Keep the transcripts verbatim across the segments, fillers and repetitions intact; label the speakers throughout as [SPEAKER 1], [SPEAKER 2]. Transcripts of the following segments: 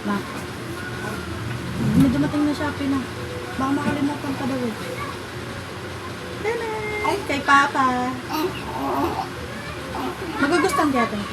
[SPEAKER 1] Ma. May dumating na Shopee na. Baka makalimutan ka daw eh. Tana! Ay, kay Papa. Magugustuhan kaya ito ito.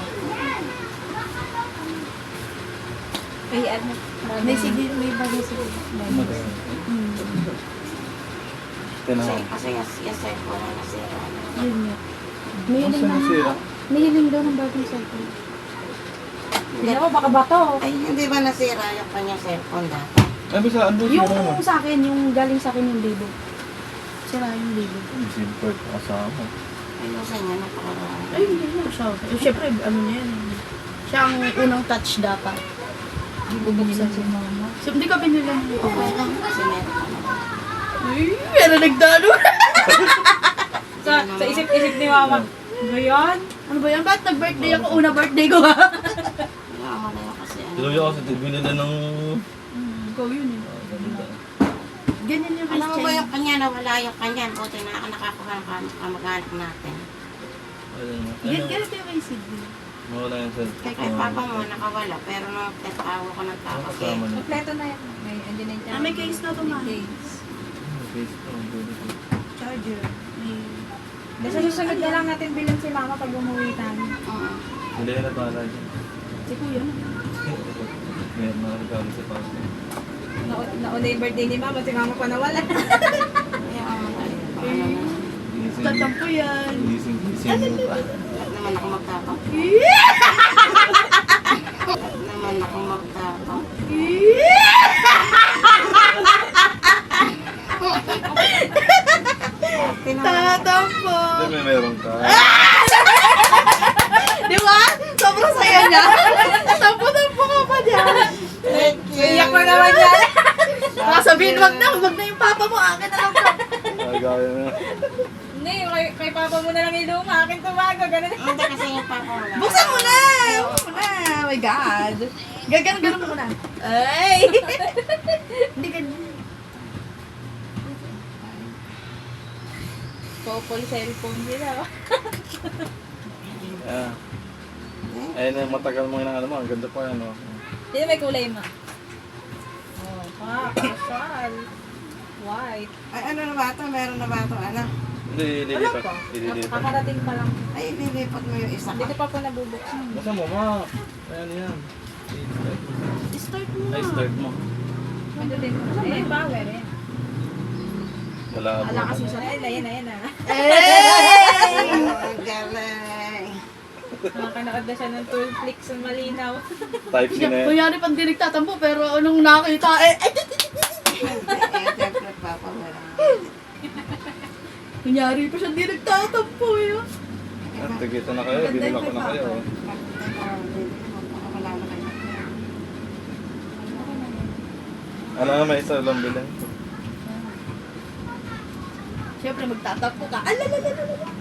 [SPEAKER 2] Ay, ano?
[SPEAKER 1] May sige, may bagay sige. Hmm.
[SPEAKER 3] Tinaw.
[SPEAKER 4] Kasi, kasi yes, yes, sir, wala na sira.
[SPEAKER 1] Yun nga. May hiling
[SPEAKER 3] Saan
[SPEAKER 1] daw.
[SPEAKER 3] nasira?
[SPEAKER 1] May hiling daw ng bagong cellphone.
[SPEAKER 2] Tingnan mo, baka bato.
[SPEAKER 4] Ay, hindi ba nasira yung kanyang cellphone dati?
[SPEAKER 3] Ay, basta ano
[SPEAKER 1] Yung
[SPEAKER 3] sira naman?
[SPEAKER 1] sa akin, yung galing sa akin yung libo. Sira yung libo.
[SPEAKER 3] Yung SIM card kasama.
[SPEAKER 4] Ayusan niya, napakaraan.
[SPEAKER 1] Ay, hindi na siya. Eh, syempre, ano niya yan. Siya ang unang touch dapat.
[SPEAKER 2] Bubuksan si mama.
[SPEAKER 1] So, hindi ka binili ng ito.
[SPEAKER 4] Okay lang, kasi meron ka naman.
[SPEAKER 1] Ay, meron nagdalo.
[SPEAKER 2] Sa, sa isip-isip ni mama. Ano yan?
[SPEAKER 1] Ano ba yan? Ba't nag-birthday ako? Una birthday ko ha?
[SPEAKER 4] Kaya ako na yun kasi ano.
[SPEAKER 3] Tuloy ako sa tibili na ng...
[SPEAKER 1] Hmm, ikaw yun eh. Ganyan yung
[SPEAKER 4] Alam mo ba
[SPEAKER 1] Christian.
[SPEAKER 4] yung kanya, nawala yung kanya. Buti na ako nakakuha ng kam- kamag-anak natin.
[SPEAKER 3] Ayun na.
[SPEAKER 1] Gan
[SPEAKER 3] Ayun.
[SPEAKER 1] ganito yung kay Sidney.
[SPEAKER 3] Mawala yung cellphone.
[SPEAKER 4] Kaya kay papa mo, nakawala. Pero nung tatawa ko ng tawag eh.
[SPEAKER 3] Kasama na.
[SPEAKER 2] Kompleto na yan. May, andyan na yung
[SPEAKER 1] Ah, may case na to, ma.
[SPEAKER 2] May case.
[SPEAKER 3] Face ko, ang dulo ko.
[SPEAKER 1] Charger. May...
[SPEAKER 2] Sa susunod na lang natin bilang si mama pag umuwi tayo.
[SPEAKER 4] Oo.
[SPEAKER 3] Hindi na pala dyan.
[SPEAKER 1] Si Kuya.
[SPEAKER 3] May mga regalo sa papa.
[SPEAKER 2] Na- Nauna yung birthday ni mama, si mama pa nawala.
[SPEAKER 4] Kaya ako na yun. Paano na.
[SPEAKER 3] Gising.
[SPEAKER 1] Tatampo yan.
[SPEAKER 3] Gising, gising mo pa.
[SPEAKER 4] Ba't naman ako magtapang? Ba't naman ako magtapang?
[SPEAKER 1] Tatampo.
[SPEAKER 3] Hindi, may meron ka.
[SPEAKER 1] Di ba? Sobrang saya niya. Tampo-tampo ka pa dyan.
[SPEAKER 4] Thank you.
[SPEAKER 2] Iyak mo naman yan.
[SPEAKER 1] Baka sabihin, wag na, wag na yung papa mo. Akin na lang to.
[SPEAKER 3] Ay, gaya na.
[SPEAKER 2] Hindi, kay, kay papa mo na lang yung luma. Akin tumago, ganun.
[SPEAKER 4] Hindi kasi yung papa mo lang.
[SPEAKER 1] Buksan mo na! Buksan mo na! Oh my God! Gagan-ganon mo na. Ay! Hindi ka...
[SPEAKER 2] Popol cellphone nila.
[SPEAKER 3] Yeah. Ayun na, matagal mo inaano mo. Ang ganda pa yan, oh.
[SPEAKER 2] Hindi may kulay ma. Oh, pa, kasal. White.
[SPEAKER 4] Ay, ano na ba ito? Meron na ba ito? Ano?
[SPEAKER 3] Hindi, ililipat. Ililipat.
[SPEAKER 2] Kakarating pa lang.
[SPEAKER 4] Ay, nilipat mo yung isa
[SPEAKER 2] Hindi
[SPEAKER 4] ka.
[SPEAKER 2] ko pa po nabubuksan.
[SPEAKER 3] Basta mo, ma. Ayan yan.
[SPEAKER 1] Start mo na.
[SPEAKER 3] Ay, start mo.
[SPEAKER 2] Ano din? Eh, power eh.
[SPEAKER 3] Wala ka
[SPEAKER 1] Wala
[SPEAKER 3] po.
[SPEAKER 1] kasi siya.
[SPEAKER 2] Ayun na, ayun na, ayun na.
[SPEAKER 1] Hey!
[SPEAKER 4] Ang galing.
[SPEAKER 2] Nakakanood na siya ng tool flick sa malinaw.
[SPEAKER 3] Type C na yan.
[SPEAKER 1] Kunyari pang di nagtatampo, pero anong nakita, eh, eh,
[SPEAKER 4] Eh, siyempre, papa mo lang.
[SPEAKER 1] kunyari pa siya di nagtatampo, eh.
[SPEAKER 3] At tigita na kayo. Binila ko na kayo. oh.
[SPEAKER 4] Wala na kayo.
[SPEAKER 3] Ano na, may isa lang bilhin.
[SPEAKER 1] Siyempre, magtatampo ka. Alalalala.